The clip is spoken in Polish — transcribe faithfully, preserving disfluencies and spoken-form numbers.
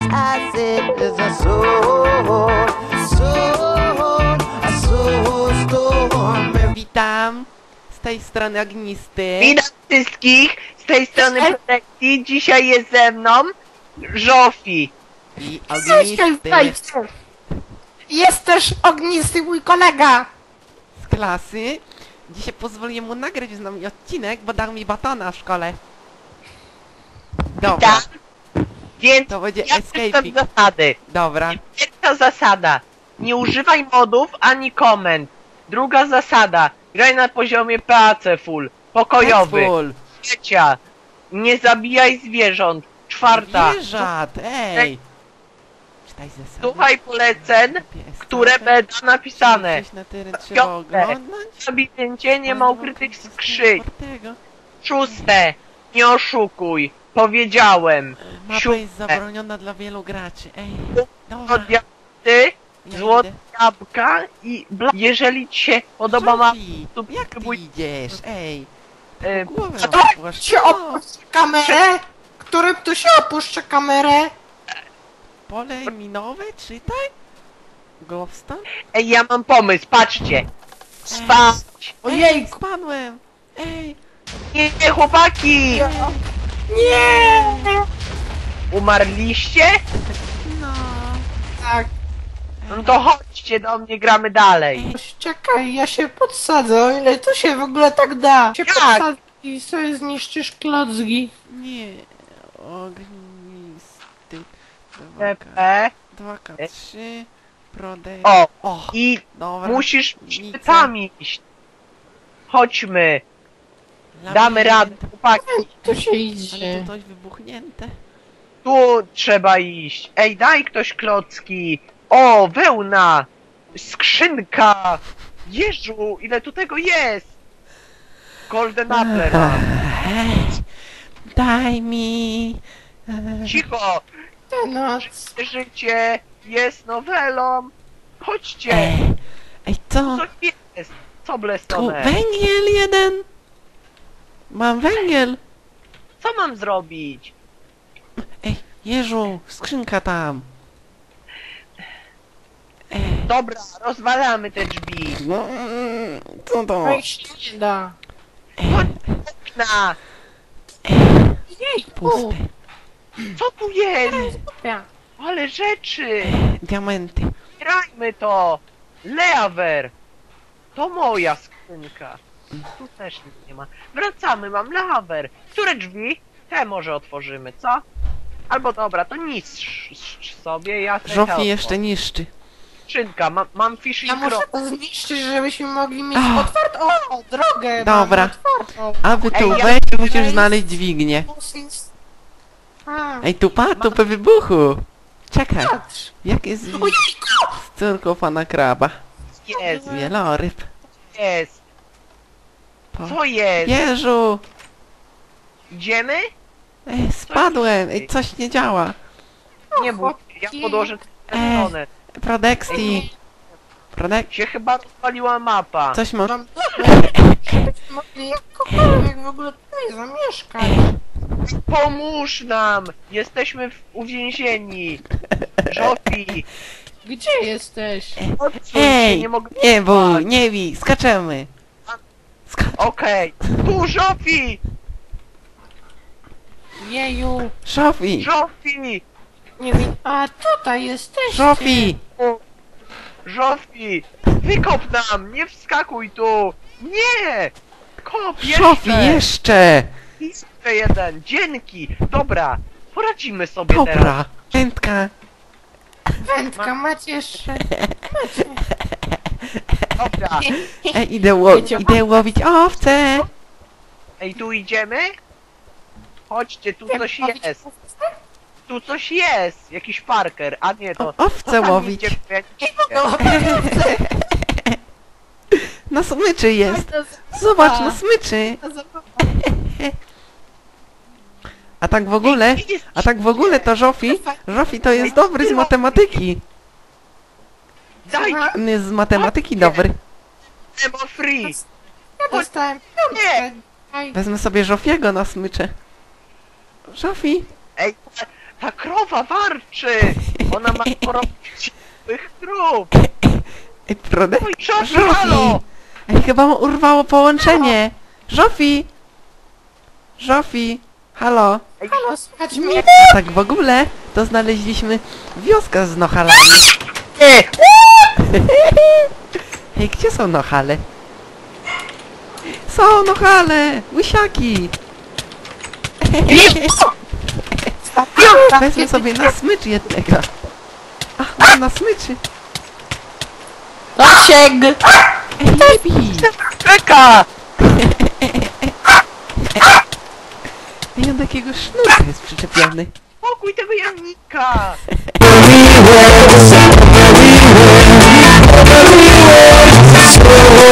I said there's a soul, soul, a soul storm. Witam z tej strony Ognisty. Witam wszystkich z tej strony Protekcji. Dzisiaj jest ze mną Żofi. I Ognisty Jest też Ognisty, mój kolega. z klasy. Dzisiaj pozwoliłem mu nagrać z nami odcinek, bo dał mi batona w szkole. Dobra, Tak. Więc to będzie ja escaping. czytam zasady. Dobra. Pierwsza zasada. Nie używaj modów ani komend. Druga zasada. Graj na poziomie P A C full. Pokojowy. Full. Trzecia. Nie zabijaj zwierząt. Czwarta. Zwierzat, ej. Czytaj zasady. Słuchaj poleceń, Pies, które tak? będą napisane. Przejść na teren trzeba Piąte. oglądać. W labiryncie nie ma ukrytych skrzyń. Czwartego. Szóste. Nie oszukuj. Powiedziałem. Mapa jest Siódme. zabroniona dla wielu graczy, ej. Od Dobra, diamenty, ja złote idę. jabłka i bla... Jeżeli ci się podoba mapa, Żofi, to jak ty próbuj... idziesz, ej. e, Głowę a to rozpłasz. Się opuszcza kamerę? Którym tu się opuszcza kamerę? Pole minowe, czytaj. Glowstone? Ej, ja mam pomysł, patrzcie. Spać. Ej, Ojejku. spadłem. Ej, Nie, nie, chłopaki! Nie! Umarliście? no. Tak, No to chodźcie do mnie, gramy dalej. czekaj, ja się podsadzę, o ile to się w ogóle tak da. Się Jak? podsadzę i sobie zniszczysz klocki. Nie. Ognisty. P dwa K. P. dwa K trzy. Prodej. O, O, i dobra. musisz Nic. szczytami iść. Chodźmy, Labirynt. damy radę, chłopaki. Tu się Ale idzie. to coś wybuchnięte. Tu trzeba iść. Ej, daj ktoś klocki. O, wełna. Skrzynka. Jeżu, ile tu tego jest. Golden Apple mam. Ej, daj mi. e, Cicho. Te noc. Życie jest nowelą. Chodźcie. Ej, ej, co? Co jest? Co Tu blestone? węgiel jeden. Mam węgiel. Co mam zrobić? Ej, Jeżu, skrzynka tam. Ej, Dobra, rozwalamy te drzwi. no, mm, co to? Wejść nie da. Na, Jejku. Puste. co tu jest? Ja. Ale rzeczy. Diamenty. Grajmy to. Leaver. To moja skrzynka. Tu też nic nie ma. Wracamy, mam lawer. Które drzwi? Te może otworzymy, co? Albo dobra, to niszcz sobie, ja te Żofi te jeszcze niszczy. skrzynka, mam, mam fish Ja i muszę krop. to zniszczyć, żebyśmy mogli mieć Ach. otwartą o, drogę. Dobra. Mamy otwartą. Aby tu Ej, ja- wejść, musisz znaleźć dźwignię. A, Ej, tu pa, tu po wybuchu. Czekaj, patrz. jak jest z z córką pana kraba? Jest, Wieloryb. jest. Po... Co jest? Jeżu! Idziemy? Ej, spadłem! Ej, coś nie działa. Nie bój, ja podłożę tę Ej. stronę. Prodexti. Prodek... Się chyba rozwaliła mapa. Coś mo... Mam dobre, żebyśmy mogli jakkolwiek w ogóle tutaj zamieszkać. Pomóż nam! Jesteśmy w, uwięzieni! Żofi! Gdzie jesteś? Odsuń się, Ej! nie mogę... Nie bój, nie bij, skaczemy! Skacz... Okej, tu Żofi! Jeju. Żofi! Żofi! Nie wiem. A tutaj jesteś. Żofi! O, Żofi! Wykop nam! Nie wskakuj tu! Nie! Kop jeszcze! Żofi, jeszcze! Jeszcze jeden! Dzięki! Dobra, poradzimy sobie teraz. Dobra! Wędka! Wędka, macie jeszcze. Dobra, Ej, idę, ło... idę łowić owce! ej, tu idziemy? Chodźcie, tu coś jest. Tu coś jest! Jakiś Parker, a nie to... O, owce to tam łowić. idzie, ja nie- Na smyczy jest! Zobacz, na smyczy! A tak w ogóle, a tak w ogóle to Żofi, Żofi to jest dobry z matematyki. Daj On jest z matematyki dobry. Emo free! Ja dostałem piątkę. Aj, Wezmę sobie Żofiego na smycze. Żofi, Ej, Ta krowa warczy! Ona ma porobić tych krów! Ej, Prodek? Oj, Żofi, halo! Ej, chyba mu urwało połączenie! Żofi! Żofi! Halo! Ej, Halo, słychać mnie? Tak w ogóle, to znaleźliśmy wioskę z nochalami. nie! Ej, gdzie są nochale? Są nochale! Łysiaki! Wezmę sobie na smycz jednego. Ach, mam na smyczy. Lasiek! Ej, nie bij! Czeka! Ej, on do jakiegoś sznurka jest przyczepiony. Pokój tego jamnika! Everywhere, everywhere, everywhere, everywhere,